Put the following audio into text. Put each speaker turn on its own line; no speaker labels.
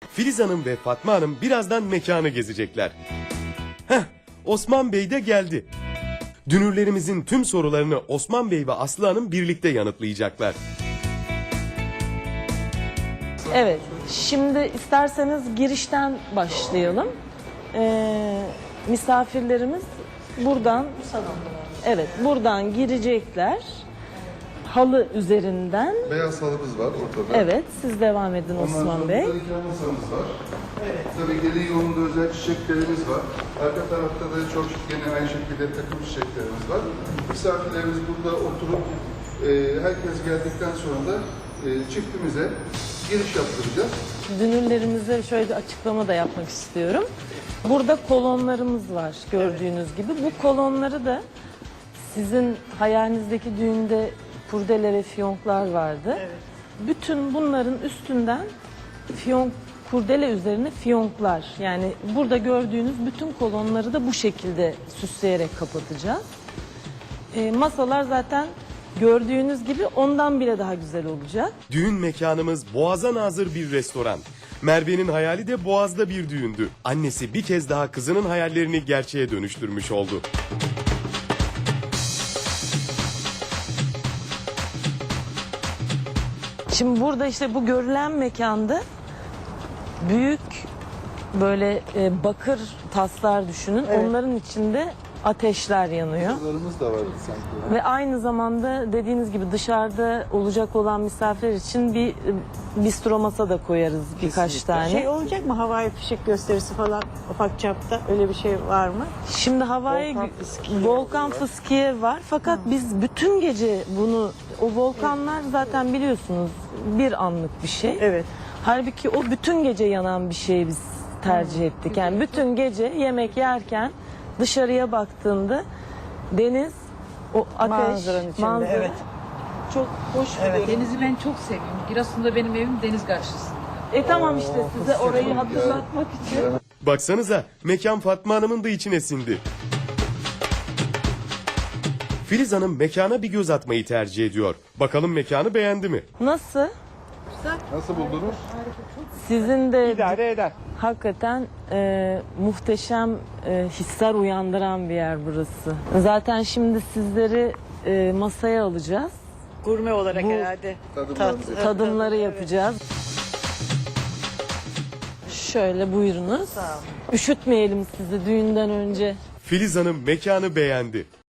Filiz Hanım ve Fatma Hanım birazdan mekanı gezecekler. Heh, Osman Bey de geldi. Dünürlerimizin tüm sorularını Osman Bey ve Aslı Hanım birlikte yanıtlayacaklar.
Evet, şimdi isterseniz girişten başlayalım. Misafirlerimiz buradan, evet, buradan girecekler. Halı üzerinden.
Beyaz halımız var ortada.
Evet, siz devam edin Osman Bey.
Ondan sonra masamız var. Evet. Tabii gelin yolunda özel çiçeklerimiz var. Arka tarafta da çok yine aynı şekilde takım çiçeklerimiz var. Misafirlerimiz burada oturup herkes geldikten sonra da çiftimize giriş yaptıracağız.
Dünürlerimize şöyle bir açıklama da yapmak istiyorum. Burada kolonlarımız var gördüğünüz gibi. Bu kolonları da sizin hayalinizdeki düğünde kurdele ve fiyonklar vardı. Evet. Bütün bunların üstünden kurdele üzerine fiyonklar. Yani burada gördüğünüz bütün kolonları da bu şekilde süsleyerek kapatacağız. Masalar zaten gördüğünüz gibi ondan bile daha güzel olacak.
Düğün mekanımız Boğaz'a nazır bir restoran. Merve'nin hayali de Boğaz'da bir düğündü. Annesi bir kez daha kızının hayallerini gerçeğe dönüştürmüş oldu.
Şimdi burada işte bu görülen mekanda büyük böyle bakır taslar düşünün. Evet. Onların içinde ateşler yanıyor.
Masalarımız da var sanki.
Ve aynı zamanda dediğiniz gibi dışarıda olacak olan misafirler için bir bistro masa da koyarız birkaç tane.
Şey olacak mı, havai fişek gösterisi falan ufak çapta, öyle bir şey var mı?
Şimdi havai volkan fıskiye var fakat biz bütün gece bunu, o volkanlar zaten biliyorsunuz bir anlık bir şey.
Evet.
Halbuki o bütün gece yanan bir şeyi biz tercih ettik. Yani bütün gece yemek yerken dışarıya baktığında deniz, o ateş,
Manzaranın içinde, evet.
çok hoş bir
Denizi ben çok seviyorum. Giresun'da benim evim deniz karşısında.
tamam işte size orayı hatırlatmak için.
Baksanıza mekan Fatma Hanım'ın da içine sindi. Filiz Hanım mekana bir göz atmayı tercih ediyor. Bakalım mekanı beğendi mi?
Nasıl?
Nasıl buldunuz?
Sizin de
İdare eder.
hakikaten muhteşem hisler uyandıran bir yer burası. Zaten şimdi sizleri masaya alacağız.
Gurme olarak
Bu-
herhalde.
Tadımları yapacağız. Şöyle buyurunuz. Üşütmeyelim sizi düğünden önce.
Filiz Hanım mekanı beğendi.